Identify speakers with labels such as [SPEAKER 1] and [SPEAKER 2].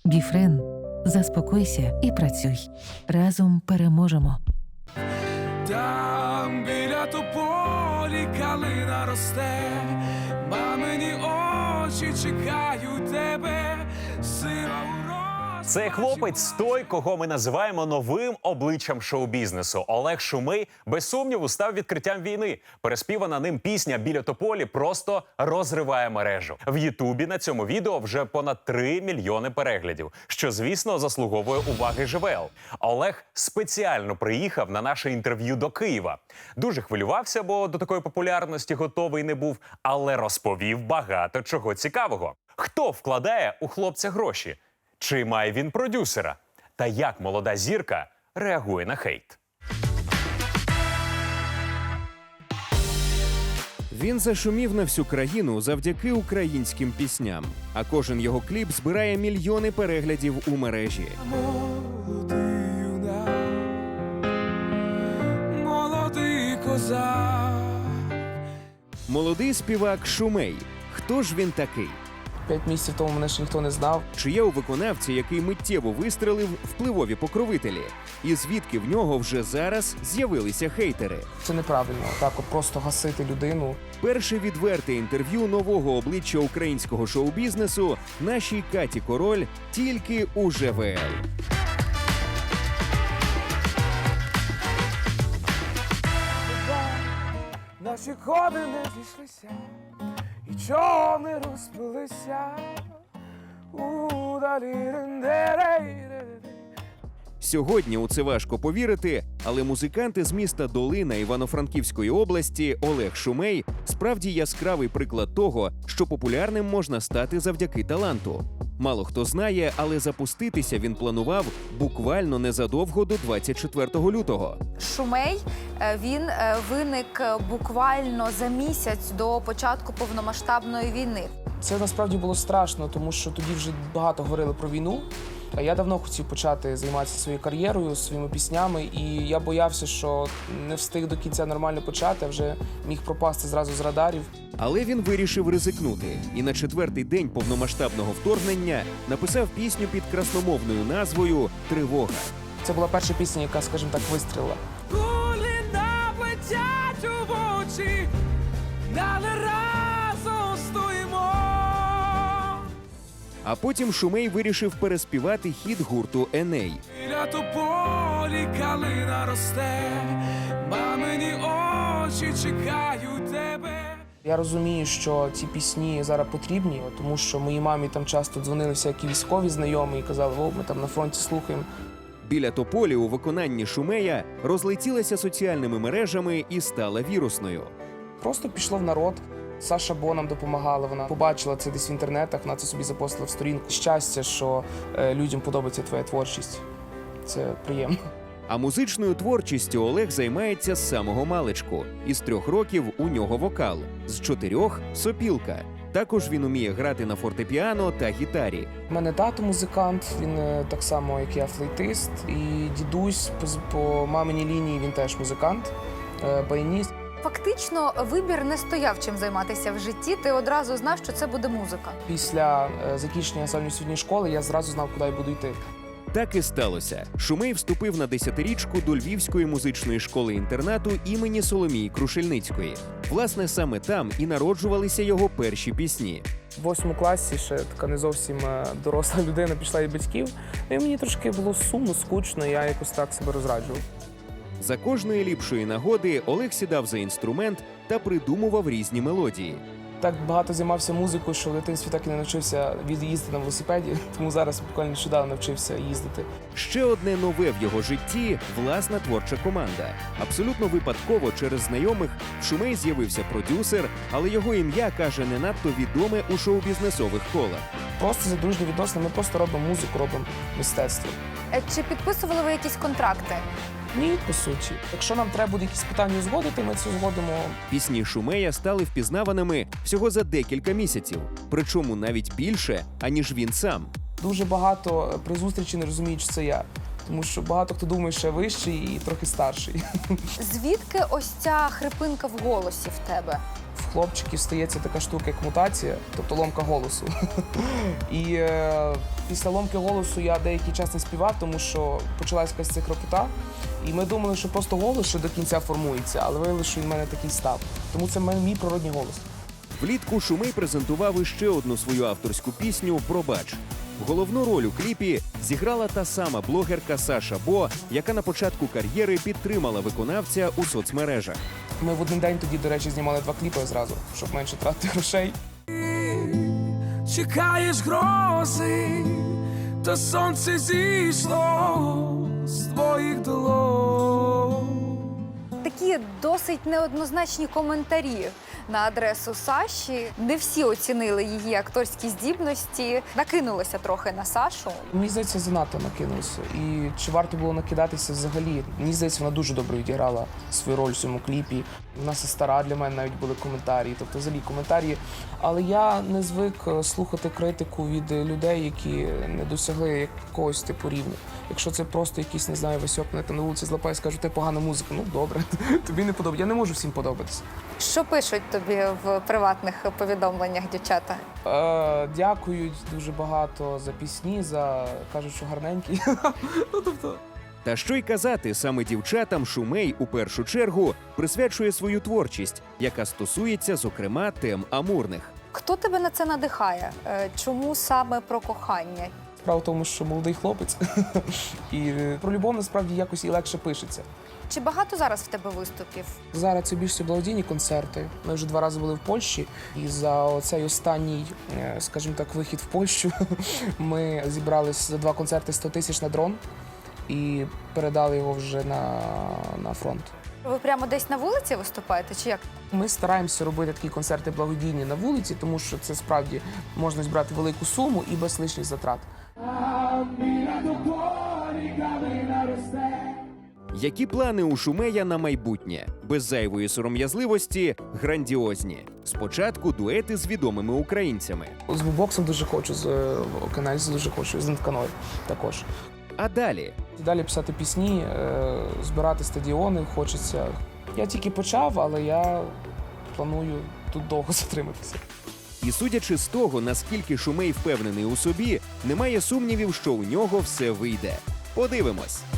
[SPEAKER 1] Біфрен. Заспокойся і працюй. Разом переможемо.
[SPEAKER 2] Там біля тополі калина росте, мамині очі чекають тебе, сила у розпачі.
[SPEAKER 3] Цей хлопець той, кого ми називаємо новим обличчям шоу-бізнесу. Олег Шумей, без сумніву, став відкриттям війни. Переспівана ним пісня «Біля тополі» просто розриває мережу. В Ютубі на цьому відео вже понад 3 мільйони переглядів, що, звісно, заслуговує уваги ЖВЛ. Олег спеціально приїхав на наше інтерв'ю до Києва. Дуже хвилювався, бо до такої популярності готовий не був, але розповів багато чого цікавого. Хто вкладає у хлопця гроші? Чи має він продюсера? Та як молода зірка реагує на хейт?
[SPEAKER 4] Він зашумів на всю країну завдяки українським пісням. А кожен його кліп збирає мільйони переглядів у мережі.
[SPEAKER 2] Молодий юнак, молодий козак.
[SPEAKER 4] Молодий співак Шумей. Хто ж він такий?
[SPEAKER 5] 5 місяців тому мене ще ніхто не знав.
[SPEAKER 4] Чи є у виконавці, який миттєво вистрелив, впливові покровителі? І звідки в нього вже зараз з'явилися хейтери?
[SPEAKER 5] Це неправильно, так от просто гасити людину.
[SPEAKER 4] Перше відверте інтерв'ю нового обличчя українського шоу-бізнесу нашій Каті Король тільки у ЖВЛ.
[SPEAKER 2] Наші коди не зійшлися, і чого не розпилися. Удалі рендерей.
[SPEAKER 4] Сьогодні у це важко повірити, але музиканти з міста Долина Івано-Франківської області Олег Шумей справді яскравий приклад того, що популярним можна стати завдяки таланту. Мало хто знає, але запуститися він планував буквально незадовго до 24 лютого.
[SPEAKER 6] Шумей, він виник буквально за місяць до початку повномасштабної війни.
[SPEAKER 5] Це насправді було страшно, тому що тоді вже багато говорили про війну. А я давно хотів почати займатися своєю кар'єрою, своїми піснями, і я боявся, що не встиг до кінця нормально почати, а вже міг пропасти зразу з радарів.
[SPEAKER 4] Але він вирішив ризикнути і на 4-й день повномасштабного вторгнення написав пісню під красномовною назвою «Тривога».
[SPEAKER 5] Це була перша пісня, яка, скажімо так, вистрілила.
[SPEAKER 2] Кулі наплетять у очі, але разом стоїмо.
[SPEAKER 4] А потім Шумей вирішив переспівати хіт гурту «Еней».
[SPEAKER 2] Біля тополі калина росте, мамині очі чекають тебе.
[SPEAKER 5] Я розумію, що ці пісні зараз потрібні, тому що моїй мамі там часто дзвонили всякі військові знайомі і казали, о, ми там на фронті слухаємо.
[SPEAKER 4] «Біля тополі» у виконанні Шумея розлетілася соціальними мережами і стала вірусною.
[SPEAKER 5] Просто пішло в народ. Саша Бо нам допомагала, вона побачила це десь в інтернетах, вона це собі запостила в сторінку. Щастя, що людям подобається твоя творчість. Це приємно.
[SPEAKER 4] А музичною творчістю Олег займається з самого маличку. Із 3 років у нього вокал, з 4 – сопілка. Також він уміє грати на фортепіано та гітарі.
[SPEAKER 5] У мене тато музикант, він так само, як я, флейтист. І дідусь по маминій лінії, він теж музикант, баяніст.
[SPEAKER 6] Фактично, вибір не стояв чим займатися в житті. Ти одразу знав, що це буде музика.
[SPEAKER 5] Після закінчення загальноосвітньої школи я зразу знав, куди я буду йти.
[SPEAKER 4] Так і сталося. Шумей вступив на 10-річку до Львівської музичної школи-інтернату імені Соломії Крушельницької. Власне, саме там і народжувалися його перші пісні.
[SPEAKER 5] В 8 класі ще така не зовсім доросла людина пішла від батьків. І мені трошки було сумно, скучно, я якось так себе розраджував.
[SPEAKER 4] За кожної ліпшої нагоди Олег сідав за інструмент та придумував різні мелодії.
[SPEAKER 5] Так багато займався музикою, що в дитинстві так і не навчився їздити на велосипеді, тому зараз буквально нещодавно навчився їздити.
[SPEAKER 4] Ще одне нове в його житті – власна творча команда. Абсолютно випадково через знайомих в Шумей з'явився продюсер, але його ім'я, каже, не надто відоме у шоу-бізнесових колах.
[SPEAKER 5] Просто за дружні відносини, ми просто робимо музику, робимо мистецтво.
[SPEAKER 6] Чи підписували ви якісь контракти?
[SPEAKER 5] Ні, по суті. Якщо нам треба буде якісь питання узгодити, ми це узгодимо.
[SPEAKER 4] Пісні Шумея стали впізнаваними всього за декілька місяців. Причому навіть більше, аніж він сам.
[SPEAKER 5] Дуже багато при зустрічі не розуміють, що це я. Тому що багато хто думає, що я вищий і трохи старший.
[SPEAKER 6] Звідки ось ця хрипинка в голосі в тебе?
[SPEAKER 5] В хлопчиків стається така штука, як мутація, тобто ломка голосу. І після ломки голосу я деякий час не співав, тому що почалась якась ця хропота. І ми думали, що просто голос ще до кінця формується, але виявилося, що він в мене такий став. Тому це мій природній голос.
[SPEAKER 4] Влітку Шумей презентував іще одну свою авторську пісню «Пробач». Головну роль у кліпі зіграла та сама блогерка Саша Бо, яка на початку кар'єри підтримала виконавця у соцмережах.
[SPEAKER 5] Ми в один день тоді, до речі, знімали 2 кліпи зразу, щоб менше тратити грошей.
[SPEAKER 2] Чекаєш грози, то сонце зійшло з твоїх долонь.
[SPEAKER 6] Такі досить неоднозначні коментарі на адресу Саші. Не всі оцінили її акторські здібності. Накинулося трохи на Сашу.
[SPEAKER 5] Мені здається, занадто накинулося. І чи варто було накидатися взагалі? Мені здається, вона дуже добре відіграла свою роль в цьому кліпі. Вона все стара, для мене навіть були коментарі, тобто взагалі коментарі. Але я не звик слухати критику від людей, які не досягли якогось типу рівня. Якщо це просто якийсь, не знаю, Васьок мене там на вулиці злапає, скажу, ти погана музика. Ну добре, тобі не подобається. Я не можу всім подобатися.
[SPEAKER 6] Що пишуть тобі в приватних повідомленнях дівчата?
[SPEAKER 5] Дякують дуже багато за пісні, кажуть, що гарненькі. Ну, тобто...
[SPEAKER 4] Та що й казати, саме дівчатам Шумей у першу чергу присвячує свою творчість, яка стосується, зокрема, тем амурних.
[SPEAKER 6] Хто тебе на це надихає? Чому саме про кохання?
[SPEAKER 5] Справа в тому, що молодий хлопець, і про любов насправді якось і легше пишеться.
[SPEAKER 6] Чи багато зараз в тебе виступів?
[SPEAKER 5] Зараз це більше благодійні концерти. Ми вже 2 рази були в Польщі, і за оцей останній, скажімо так, вихід в Польщу ми зібрали за 2 концерти 100 тисяч на дрон і передали його вже на фронт.
[SPEAKER 6] Ви прямо десь на вулиці виступаєте, чи як?
[SPEAKER 5] Ми стараємося робити такі концерти благодійні на вулиці, тому що це справді можна збирати велику суму і без лишніх затрат.
[SPEAKER 4] Які плани у Шумея на майбутнє? Без зайвої сором'язливості – грандіозні. Спочатку дуети з відомими українцями.
[SPEAKER 5] З бубоксом дуже хочу, з Океанельзі дуже хочу, з Нетканою також.
[SPEAKER 4] А далі?
[SPEAKER 5] Далі писати пісні, збирати стадіони хочеться. Я тільки почав, але я планую тут довго затриматися.
[SPEAKER 4] І судячи з того, наскільки Шумей впевнений у собі, немає сумнівів, що у нього все вийде. Подивимось.